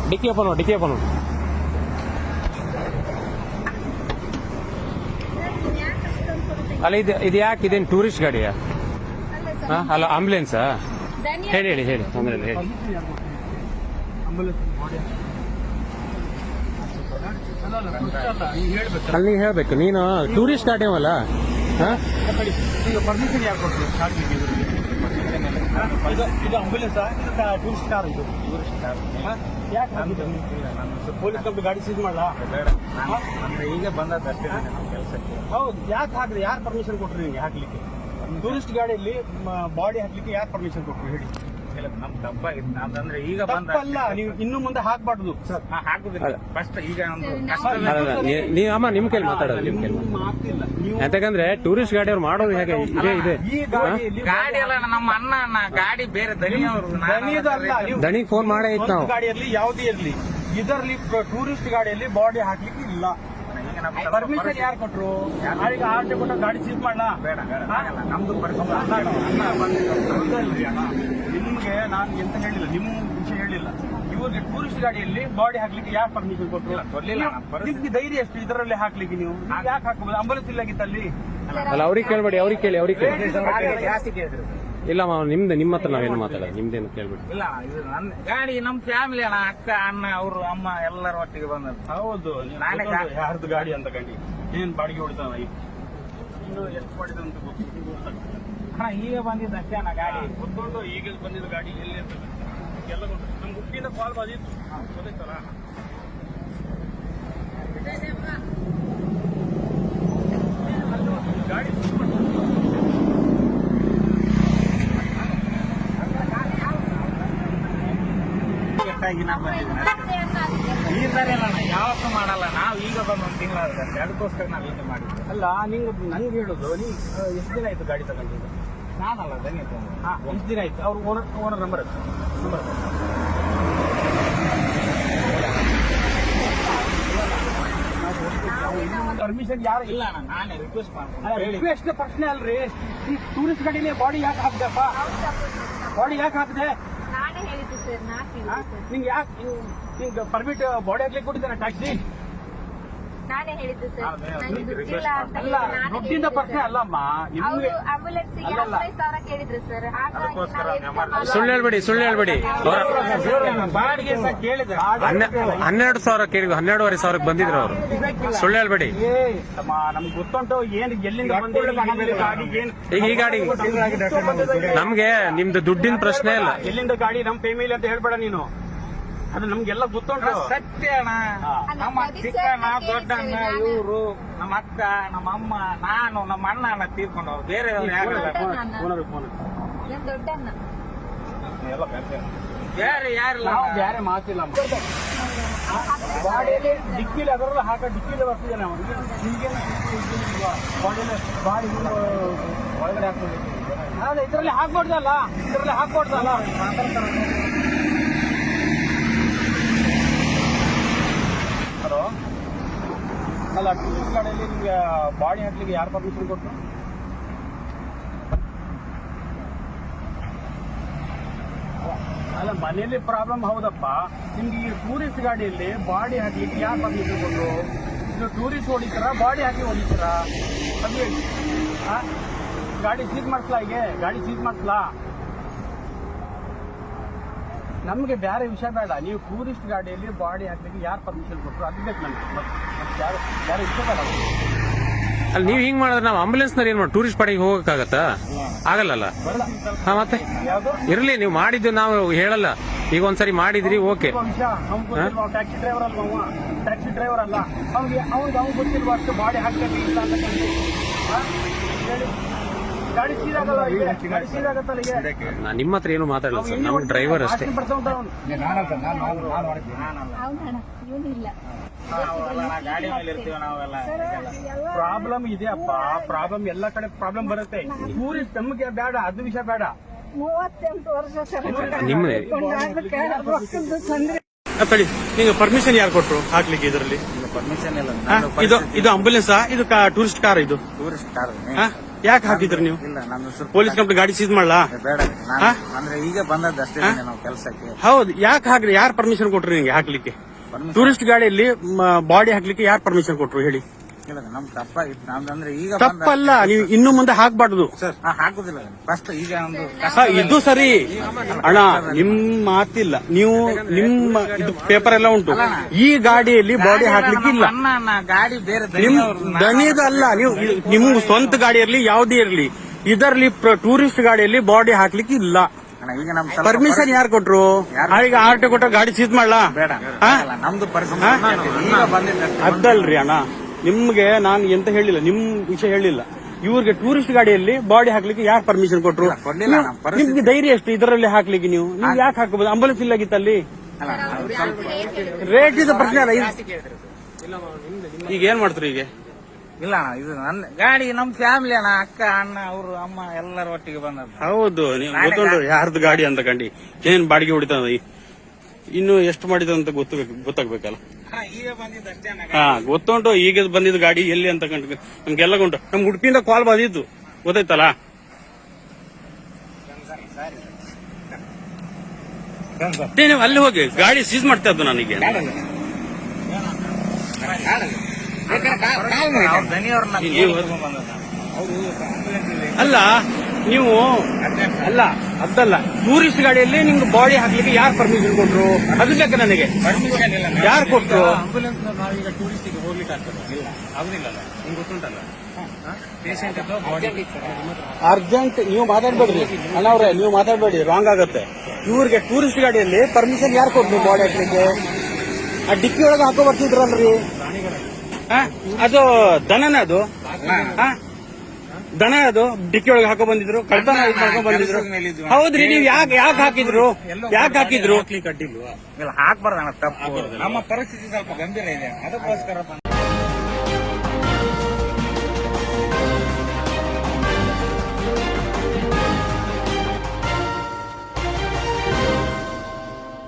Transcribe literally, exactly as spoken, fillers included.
ಡಿಕ್ಕಿ ಓಪನ್ ಮಾಡಿ ಡಿಕ್ಕಿ ಓಪನ್ ಮಾಡಿ ಅಲ್ಲ ಇದು ಇದು ಯಾಕೆ ಇದೇನು ಟೂರಿಸ್ಟ್ ಗಾಡಿಯಾ ಹಾಂ ಅಲ್ಲ ಆಂಬುಲೆನ್ಸಾ ಹೇಳಿ ಹೇಳಿ ಹೇಳಿ ತೊಂದರೆ ಇಲ್ಲ ಹೇಳಿ ಅಲ್ಲಿ ನೀವು ಹೇಳ್ಬೇಕು ನೀನು ಟೂರಿಸ್ಟ್ ಗಾಡಿ ಅಲ್ಲ ಹಾಂ ಪರ್ಮಿಷನ್ ಯಾರು ಕೊಟ್ಟರು ಇದು ಆಂಬುಲೆನ್ಸ್ ಟೂರಿಸ್ಟ್ ಕಾರ್ ಇದು ಟೂರಿಸ್ಟ್ ಕಾರ್ ಯಾಕೆ ಪೊಲೀಸ್ ಕಂಪ್ನಿ ಗಾಡಿ ಸೀಸ್ ಮಾಡಲ್ಲ ಈಗ ಬಂದಷ್ಟೇ ನಮ್ಮ ಕೆಲಸಕ್ಕೆ. ಹೌದು ಯಾಕೆ ಹಾಕಿದ್ರೆ ಯಾರು ಪರ್ಮಿಷನ್ ಕೊಟ್ಟರು ನಿಮಗೆ ಹಾಕ್ಲಿಕ್ಕೆ? ಟೂರಿಸ್ಟ್ ಗಾಡಿಯಲ್ಲಿ ಬಾಡಿ ಹಾಕ್ಲಿಕ್ಕೆ ಯಾರು ಪರ್ಮಿಷನ್ ಕೊಟ್ಟರು ಹೇಳಿ? ನಮ್ ತಪ್ಪಾಗಿತ್ತು ಅಂತಂದ್ರೆ ಈಗ ತಪ್ಪಲ್ಲ, ನೀವು ಇನ್ನು ಮುಂದೆ ಹಾಕ್ಬಾರ್ದು ಸರ್. ಹಾಕುದಿಲ್ಲ ಫಸ್ಟ್ ಈಗ ಒಂದು ನೀವು ಅಮ್ಮ ನಿಮ್ ಕೈಲಿ ಮಾತಾಡೋದು ನಿಮ್ ಕೈಲಿ ಆಗ್ತಿಲ್ಲ ನೀವು ಯಾಕಂದ್ರೆ ಟೂರಿಸ್ಟ್ ಗಾಡಿ ಅವ್ರು ಮಾಡೋದು ಹೇಗೆ ಇದೇ ಇದೆ ಈ ಗಾಡಿಯಲ್ಲಿ ಗಾಡಿ ಎಲ್ಲ ನಮ್ಮ ಅಣ್ಣ ಅಣ್ಣ ಗಾಡಿ ಬೇರೆ ದಣಿಯವರು ದಣಿದು ಅಲ್ಲ, ನೀವು ದಣಿಗೆ ಫೋನ್ ಮಾಡೇ ಇತ್ತು ನಾವು ಗಾಡಿಯಲ್ಲಿ ಯಾವುದೇ ಇರಲಿ ಇದರಲ್ಲಿ ಟೂರಿಸ್ಟ್ ಗಾಡಿಯಲ್ಲಿ ಬಾಡಿ ಹಾಕ್ಲಿಕ್ಕೆ ಇಲ್ಲ. ಪರ್ಮಿಷನ್ ಯಾರು ಕೊಟ್ರು? ಯಾರಿಗೆ ಆರ್ಟಿ ಕೊಟ್ಟ ಗಾಡಿ ಸೀಸ್ ಮಾಡಲ್ಲ? ಬೇಡ ಬೇಡ ನಮ್ದು ನಿಮ್ಗೆ ನಾನು ಎಂತ ಹೇಳಿಲ್ಲ, ನಿಮ್ಮ ವಿಷಯ ಹೇಳಿಲ್ಲ. ಇವ್ರಿಗೆ ಟೂರಿಸ್ಟ್ ಗಾಡಿಯಲ್ಲಿ ಬಾಡಿ ಹಾಕ್ಲಿಕ್ಕೆ ಯಾರು ಪರ್ಮಿಷನ್ ಕೊಟ್ಟರು? ನಿಮ್ಗೆ ಧೈರ್ಯ ಎಷ್ಟು ಇದರಲ್ಲಿ ಹಾಕ್ಲಿಕ್ಕೆ? ನೀವು ಯಾಕೆ ಹಾಕಬಹುದು? ಆಂಬುಲೆನ್ಸ್ ಇಲ್ಲಾಗಿತ್ತಲ್ಲಿ. ಅಲ್ಲ ಅವ್ರಿಗೆ ಕೇಳ್ಬೇಡಿ ಅವ್ರಿಗೆ ಕೇಳಿ ಅವ್ರಿಗೆ ಕೇಳಿ ಜಾಸ್ತಿ ಕೇಳಿದ್ರು ಇಲ್ಲ ನಿಮ್ದು ನಿಮ್ಮ ಹತ್ರ ನಾವೇನು ಮಾತಾಡೋದು ನಿಮ್ದೇನು ಕೇಳ್ಬಿಡಿ. ಇಲ್ಲ ಇದು ನನ್ನ ಗಾಡಿ ನಮ್ಮ ಫ್ಯಾಮಿಲಿ ಅಣ್ಣ, ಅಕ್ಕ ಅಣ್ಣ ಅವರು ಅಮ್ಮ ಎಲ್ಲರ ಒಟ್ಟಿಗೆ ಬಂದದ್ದು. ಹೌದು, ನಾನೇ ಯಾರ್ದು ಗಾಡಿ ಅಂತ ಗಾಡಿ ಏನ್ ಬಾಡಿಗೆ ಹೊಡಿತಾವ ಇನ್ನು ಎಷ್ಟು ಮಾಡಿದ ಅಂತ ಗೊತ್ತಿಲ್ಲ. ಅಣ್ಣ ಈಗ ಬಂದಿದ್ದ ಅಷ್ಟೇ ಅಣ್ಣ ಗಾಡಿ ಗೊತ್ತುಂಟು. ಈಗ ಬಂದಿದ್ದ ಗಾಡಿ ಎಲ್ಲಿ ಅಂತ ಎಲ್ಲ ಗೊತ್ತು. ನಮ್ ಹುಟ್ಟಿನ ಕಾಲ್ ಬಂದಿತ್ತು ಗೊತ್ತಾಯ್ತಲ್ಲ. ಗಾಡಿ ಈ ಸರಿ ಅಲ್ಲ ಯಾವತ್ತೂ ಮಾಡಲ್ಲ. ನಾವು ಈಗ ಬಂದು ಒಂದು ತಿಂಗಳಾದ್ರೆ ಅದಕ್ಕೋಸ್ಕರ ನಾವು ಈಗ ಮಾಡಿದ್ವಿ. ಅಲ್ಲ, ನೀವು ನನ್ಗೆ ಹೇಳುದು ನೀವು ಎಷ್ಟು ದಿನ ಆಯ್ತು ಗಾಡಿ ತಗೊಂಡಿದ್ದು? ನಾನಲ್ಲ ದನಿ ಹಾ, ಎಷ್ಟು ದಿನ ಆಯ್ತು? ಅವ್ರ owner owner number number permission ಯಾರು ಇಲ್ಲ ಅಣ್ಣ, ನಾನೇ ರಿಕ್ವೆಸ್ಟ್ ಮಾಡ್ತೀನಿ. ರಿಕ್ವೆಸ್ಟ್ ಪ್ರಶ್ನೆ ಅಲ್ರಿ. ಈ ಟೂರಿಸ್ಟ್ ಗಾಡಿಲಿ ಬಾಡಿ ಯಾಕೆ ಹಾಕ್ದಪ್ಪ? ಬಾಡಿ ಯಾಕೆ ಹಾಕಿದೆ? ನಾನೇ ಹೇಳಿದ್ದು ಸರ್, ನಾ ನಿಂಗೆ ಯಾಕೆ ನಿಂಗೆ ಪರ್ಮಿಟ್ ಬಾಡಿ ಹಾಕ್ಲಿಕ್ಕೆ ಕೊಟ್ಟಿದ್ದಾನೆ ಟ್ಯಾಕ್ಸಿ? ನಾನೇ ಹೇಳಿದ್ದು ಸರ್, ನಂಗೆ ದುಡ್ಡಿಲ್ಲ ಅಂತ ಅಲ್ಲ, ದುಡ್ಡಿಂದ ಪ್ರಶ್ನೆ ಅಲ್ಲಮ್ಮ. ನಿಮ್ಗೆ ಆಂಬುಲೆನ್ಸ್ ಹದಿನೈದು ಸಾವಿರ ಕೇಳಿದ್ರು ಸರ್. ಹಾಗಾಗಿ ಸುಳ್ಳು ಹೇಳ್ಬೇಡಿ ಸುಳ್ಳು ಹೇಳ್ಬೇಡಿ ಬಾಡಿಗೆ ಸಹ ಕೇಳಿದೆ. ಹನ್ನೆರಡು ಸಾವಿರ ಕೇಳಿದ್ವಿ, ಹನ್ನೆರಡುವರೆ ಸಾವಿರಕ್ಕೆ ಬಂದಿದ್ರು ಅವರು. ಸುಳ್ಳು ಹೇಳ್ಬೇಡಿ. ನಮ್ಗೆ ಗೊತ್ತುಂಟು ಏನು ಎಲ್ಲಿಂದ ಬಂದಿಲ್ಲ ಗಾಡಿ. ಏನ್ ಈಗ ಈ ಗಾಡಿ ನಮ್ಗೆ ನಿಮ್ದು ದುಡ್ಡಿನ ಪ್ರಶ್ನೆ ಇಲ್ಲ. ಎಲ್ಲಿಂದ ಗಾಡಿ ನಮ್ಮ ಫೇಮಿಲಿ ಅಂತ ಹೇಳ್ಬೇಡ ನೀನು. ಅದು ನಮ್ಗೆಲ್ಲ ಗೊತ್ತುಂಟು. ಸತ್ಯ ಅಣ್ಣ, ನಮ್ಮ ಚಿಕ್ಕ ಅಣ್ಣ ದೊಡ್ಡ ಅಣ್ಣ ಇವರು ನಮ್ಮ ಅಕ್ಕ ನಮ್ಮ ಅಮ್ಮ ನಾನು ನಮ್ಮ ಅಣ್ಣ ಅಣ್ಣ ತೀರ್ಕೊಂಡು ಬೇರೆ ದೊಡ್ಡಣ್ಣ ಬೇರೆ ಯಾರಿಲ್ಲ. ನಾವು ಬೇರೆ ಮಾತಿಲ್ಲ. ಬಾಡಿಯಲ್ಲಿ ಡಿಕ್ಕಿಲಿ ಅದರಲ್ಲ ಹಾಕ ಡಿಕ್ಕಿಲಿ ಬರ್ತಿದ್ದಾನೆ ಅವನು. ಬಾಡಿಯಲ್ಲಿ ಬಾಡಿ ಒಳಗಡೆ ಹಾಕ್ಬೋದು. ಅದೇ ಇದರಲ್ಲಿ ಹಾಕ್ಬಾರ್ದಲ್ಲ, ಇದರಲ್ಲಿ ಹಾಕ್ಬಾರ್ದಲ್ಲ. ಹಲೋ, ಅಲ್ಲ ಟೂರಿಸ್ಟ್ ಗಾಡಿಯಲ್ಲಿ ನಿಮ್ಗೆ ಬಾಡಿ ಹಾಕ್ಲಿಕ್ಕೆ ಯಾರು ಪರ್ಮಿಷನ್ ಕೊಟ್ಟರು? ಅಲ್ಲ, ಮನೆಯಲ್ಲಿ ಪ್ರಾಬ್ಲಮ್ ಹೌದಪ್ಪ. ನಿಮ್ಗೆ ಈ ಟೂರಿಸ್ಟ್ ಗಾಡಿಯಲ್ಲಿ ಬಾಡಿ ಹಾಕ್ಲಿಕ್ಕೆ ಯಾರು ಪರ್ಮಿಷನ್ ಕೊಟ್ಟರು? ಇದು ಟೂರಿಸ್ಟ್ ಹೊಡಿತೀರಾ ಬಾಡಿ ಹಾಕಿ ಹೊಡಿತೀರಾ? ಅದು ಹೇಳಿ. ಗಾಡಿ ಸೀಸ್ ಮಾಡಿಸ್ಲಾ? ಹೀಗೆ ಗಾಡಿ ಸೀಸ್ ಮಾಡಿಸ್ಲಾ? ನಮಗೆ ಬೇರೆ ವಿಷಯ ಬೇಡ. ನೀವು ಟೂರಿಸ್ಟ್ ಗಾಡಿಯಲ್ಲಿ ಬಾಡಿ ಹಾಕ್ಲಿಕ್ಕೆ ಯಾರು ಪರ್ಮಿಷನ್ ಕೊಟ್ಟರು ಅದು ಬೇಕು ನಮಗೆ. ಯಾರು ಬೇರೆ ವಿಷಯ ಬೇಡ. ಅಲ್ಲಿ ನೀವು ಹಿಂಗ್ ಮಾಡಿದ್ರೆ ನಾವು ಆಂಬುಲೆನ್ಸ್ ನಲ್ಲಿ ಏನ್ ಮಾಡಿ ಟೂರಿಸ್ಟ್ ಪಾಡಿಗೆ ಹೋಗಕ್ಕಾಗತ್ತಾ? ಆಗಲ್ಲ. ಹಾ, ಮತ್ತೆ ಇರ್ಲಿ, ನೀವು ಮಾಡಿದ್ದು ನಾವು ಹೇಳಲ್ಲ. ಈಗ ಒಂದ್ಸರಿ ಮಾಡಿದ್ರಿ, ಓಕೆ. ಟ್ಯಾಕ್ಸಿ ಡ್ರೈವರ್ ಅಲ್ವಾ ಅವ? ಟ್ಯಾಕ್ಸಿ ಡ್ರೈವರ್ ಅಲ್ಲ ಅವ್ನಿಗೆ ಅವ್ನಿಗೆ ಅವ್ನು ಗೊತ್ತಿಲ್ವಾ ಅಷ್ಟು ಬಾಡಿ ಹಾಕ್ಬೇಕು ಇಲ್ಲ ಅಂತ ಹೇಳಿ. ಗಾಡಿ ಸೀದಾಗಲ್ಲ, ಗಾಡಿ ಸೀದಾಗತ್ತಲ್ಲ. ಈಗ ನಾನು ನಿಮ್ಮ ಹತ್ರ ಏನು ಮಾತಾಡಲ್ಲ ಸರ್, ನಮ್ಮ ಡ್ರೈವರ್ ಅಷ್ಟೇ. ಗಾಡಿ ಮೇಲೆ ಇರ್ತೀವಿ ನಾವೆಲ್ಲ. ಪ್ರಾಬ್ಲಮ್ ಇದೆಯಪ್ಪ, ಪ್ರಾಬ್ಲಮ್ ಎಲ್ಲ ಕಡೆ ಪ್ರಾಬ್ಲಮ್ ಬರುತ್ತೆ. ಟೂರಿಸ್ಟ್ ನಮಗೆ ಬೇಡ, ಅದು ವಿಷಯ ಬೇಡ. ಮೂವತ್ತೆಂಟು ವರ್ಷ ನಿಮ್ಮದೇ ತಳಿ. ನಿಮ್ಗೆ ಪರ್ಮಿಷನ್ ಯಾರು ಕೊಟ್ರು ಹಾಕ್ಲಿಕ್ಕೆ ಇದರಲ್ಲಿ? ಪರ್ಮಿಷನ್ ಇಲ್ಲ. ಇದು ಇದು ಆಂಬುಲೆನ್ಸ್, ಇದು ಟೂರಿಸ್ಟ್ ಕಾರ್? ಇದು ಟೂರಿಸ್ಟ್ ಕಾರ್ ಯಾಕೆ ಹಾಕಿದ್ರಿ ನೀವು? ಇಲ್ಲ ನಮ್ದು ಸ್ವಲ್ಪ ಪೊಲೀಸ್ ಕಂಪ್ನಿ ಗಾಡಿ ಸೀಸ್ ಮಾಡ್ಲಾ? ಬೇಡ ನಾನು ಅಂದ್ರೆ ಈಗ ಬಂದದ್ದು ಅಷ್ಟೇ ನಾವು ಕೆಲಸಕ್ಕೆ. ಹೌದು, ಯಾಕೆ ಹಾಕ್ರಿ? ಯಾರು ಪರ್ಮಿಷನ್ ಕೊಟ್ರಿ ನಿಂಗೆ ಹಾಕ್ಲಿಕ್ಕೆ? ಟೂರಿಸ್ಟ್ ಗಾಡಿಯಲ್ಲಿ ಬಾಡಿ ಹಾಕ್ಲಿಕ್ಕೆ ಯಾರು ಪರ್ಮಿಷನ್ ಕೊಟ್ರು ಹೇಳಿ? ಇಲ್ಲ ನಮ್ ತಪ್ಪಾಗಿತ್ತು ನಮ್ದು ಅಂದ್ರೆ ಈಗ ತಪ್ಪಲ್ಲ, ನೀವು ಇನ್ನು ಮುಂದೆ ಹಾಕ್ಬಾರ್ದು. ಹಾ, ಹಾಕುದಿಲ್ಲ ಫಸ್ಟ್ ಈಗ ಒಂದು ಹ, ಇದು ಸರಿ ಅಣ್ಣ, ನಿಮ್ ಮಾತಿಲ್ಲ. ನೀವು ನಿಮ್ಮ ಇದು ಪೇಪರ್ ಎಲ್ಲ ಉಂಟು. ಈ ಗಾಡಿಯಲ್ಲಿ ಬಾಡಿ ಹಾಕ್ಲಿಕ್ಕೆ ಇಲ್ಲ. ಅಣ್ಣ ಅಣ್ಣ ಗಾಡಿ ಬೇರೆ ನಿಮ್ ದನಿದಲ್ಲ, ನೀವು ನಿಮ್ ಸ್ವಂತ ಗಾಡಿ ಇರ್ಲಿ ಯಾವುದೇ ಇರ್ಲಿ, ಇದರಲ್ಲಿ ಟೂರಿಸ್ಟ್ ಗಾಡಿಯಲ್ಲಿ ಬಾಡಿ ಹಾಕ್ಲಿಕ್ಕೆ ಇಲ್ಲ. ಅಣ್ಣ, ಈಗ ನಮ್ ಪರ್ಮಿಷನ್ ಯಾರು ಕೊಟ್ರು? ಈಗ ಆರ್ ಟಿ ಕೊಟ್ಟ ಗಾಡಿ ಸೀಸ್ ಮಾಡ್ಲಾ? ಬೇಡ ಹಾ? ಅಲ್ಲ, ನಮ್ದು ಪರಿಸ್ಥಿತಿ ಈಗ ಬಂದಿದ್ದಷ್ಟೇ. ಅದಲ್ರಿ ಅಣ್ಣ, ನಿಮ್ಗೆ ನಾನು ಎಂತ ಹೇಳಿಲ್ಲ, ನಿಮ್ ವಿಷಯ ಹೇಳಿಲ್ಲ. ಇವ್ರಿಗೆ ಟೂರಿಸ್ಟ್ ಗಾಡಿಯಲ್ಲಿ ಬಾಡಿ ಹಾಕ್ಲಿಕ್ಕೆ ಯಾರು ಪರ್ಮಿಷನ್ ಕೊಟ್ರು? ಕೊಡ್ಲಿಲ್ಲ ಅಣ್ಣ, ಪರಿಸ್ಥಿತಿ- ನಿಮ್ಗೆ ಧೈರ್ಯ ಎಷ್ಟು ಇದರಲ್ಲಿ ಹಾಕ್ಲಿಕ್ಕೆ? ನೀವು ನೀವು ಯಾಕೆ ಹಾಕಬಹುದು? ಆಂಬುಲೆನ್ಸ್ ಇಲ್ಲಾಗಿತ್ತಲ್ಲಿ. ರೇಟ್ ಇದು ಪ್ರಶ್ನೆ ಅಲ್ಲ. ಇದು- ಈಗ ಏನ್ ಮಾಡ್ತಾರೆ ಈಗ? ಇಲ್ಲ ಅಣ್ಣ, ಇದು ನನ್ನ ಗಾಡಿ ನಮ್ ಫ್ಯಾಮಿಲಿ ಅಣ್ಣ, ಅಕ್ಕ ಅಣ್ಣ ಅವರು ಅಮ್ಮ ಎಲ್ಲರ ಒಟ್ಟಿಗೆ ಬಂದದ್ದು. ಹೌದು, ನೀವು ಗೊತ್ತುಂಟು ಯಾರ್ದು ಗಾಡಿ ಅಂತ ಕಂಡು ಏನ್ ಬಾಡಿಗೆ ಹೊಡಿತದ. ಇನ್ನು ಎಷ್ಟು ಮಾಡಿದ ಅಂತ ಗೊತ್ತಾಗ ಗೊತ್ತಾಗ್ಬೇಕಲ್ಲ. ಅಣ್ಣ, ಈಗ ಬಂದಿದ್ದಷ್ಟೇ ಅಣ್ಣ. ಹಾ, ಗೊತ್ತುಂಟು ಈಗ ಬಂದಿದ್ದು ಗಾಡಿ ಎಲ್ಲಿ ಅಂತ ಕಂಡು ನಮ್ಗೆಲ್ಲ ಉಂಟು. ನಮ್ ಉಡುಪಿಯಿಂದ ಕಾಲ್ ಬಂದಿತ್ತು, ಗೊತ್ತಾಯ್ತಲ್ಲ. ಏ, ನೀವು ಅಲ್ಲಿ ಹೋಗಿ ಗಾಡಿ ಸೀಸ್ ಮಾಡ್ತಾ ಇದ್ದು ನನಗೆ. ಅವ್ರ ದನಿಯವ್ರನ್ನ ನೀವು- ಬಂದದ್ದು ಅವರು ambulance ಅಲ್ಲಿ ಅಲ್ಲ ನೀವು ಅಲ್ಲ ಅದಲ್ಲ ಟೂರಿಸ್ಟ್ ಗಾಡಿಯಲ್ಲಿ ನಿಮ್ಗೆ ಬಾಡಿ ಹಾಕ್ಲಿಕ್ಕೆ ಯಾರು ಪರ್ಮಿಷನ್ ಕೊಟ್ರು? ಅದು ಬೇಕು ನನಗೆ. ಪರ್ಮಿಷನ್ ಇಲ್ಲ. ಯಾರು ಕೊಟ್ರು? ಆಂಬುಲೆನ್ಸ್ ನಾವೀಗ ಟೂರಿಸ್ಟಿಗೆ ಹೋಗ್ಲಿಕ್ಕೆ ಆಗ್ತದೆ? ಇಲ್ಲ, ಆಗುದಿಲ್ಲಲ್ಲ. ನಿಮ್ಗೆ ಗೊತ್ತುಂಟಲ್ಲ, ಪೇಷಂಟ್ ಬಾಡಿ ಅರ್ಜೆಂಟ್ ನೀವು ಮಾತಾಡ್ಬೇಡ್ರಿ ಅಣ್ಣವ್ರೆ, ನೀವು ಮಾತಾಡ್ಬೇಡಿ, ರಾಂಗ್ ಆಗತ್ತೆ. ಇವ್ರಿಗೆ ಟೂರಿಸ್ಟ್ ಗಾಡಿಯಲ್ಲಿ ಪರ್ಮಿಷನ್ ಯಾರು ಕೊಟ್ರು ಬಾಡಿ ಹಾಕ್ಲಿಕ್ಕೆ? ಆ ಡಿಕ್ಕಿ ಒಳಗೆ ಹಾಕೋ ಬರ್ತಿದ್ರಲ್ರಿ. ಆ? ಅದು ದನನ ಅದು ಆ? ದನ ಅದು ಡಿಕ್ಕಿ ಒಳಗೆ ಹಾಕೋ ಬಂದಿದ್ರು, ಕಳ್ತನ ಇದ್ ಮಾಡ್ಕೊಂಡ್ ಬಂದಿದ್ರು. ಹೌದ್ರಿ, ನೀವು ಯಾಕೆ ಯಾಕೆ ಹಾಕಿದ್ರು? ಯಾಕೆ ಹಾಕಿದ್ರು? ಇಲ್ಲ, ಹಾಕ್ಬಾರ್ದಣ್ಣ, ತಪ್ಪು. ನಮ್ಮ ಪರಿಸ್ಥಿತಿ ಸ್ವಲ್ಪ ಗಂಭೀರ ಇದೆ, ಅದಕ್ಕೋಸ್ಕರ ಬಂದ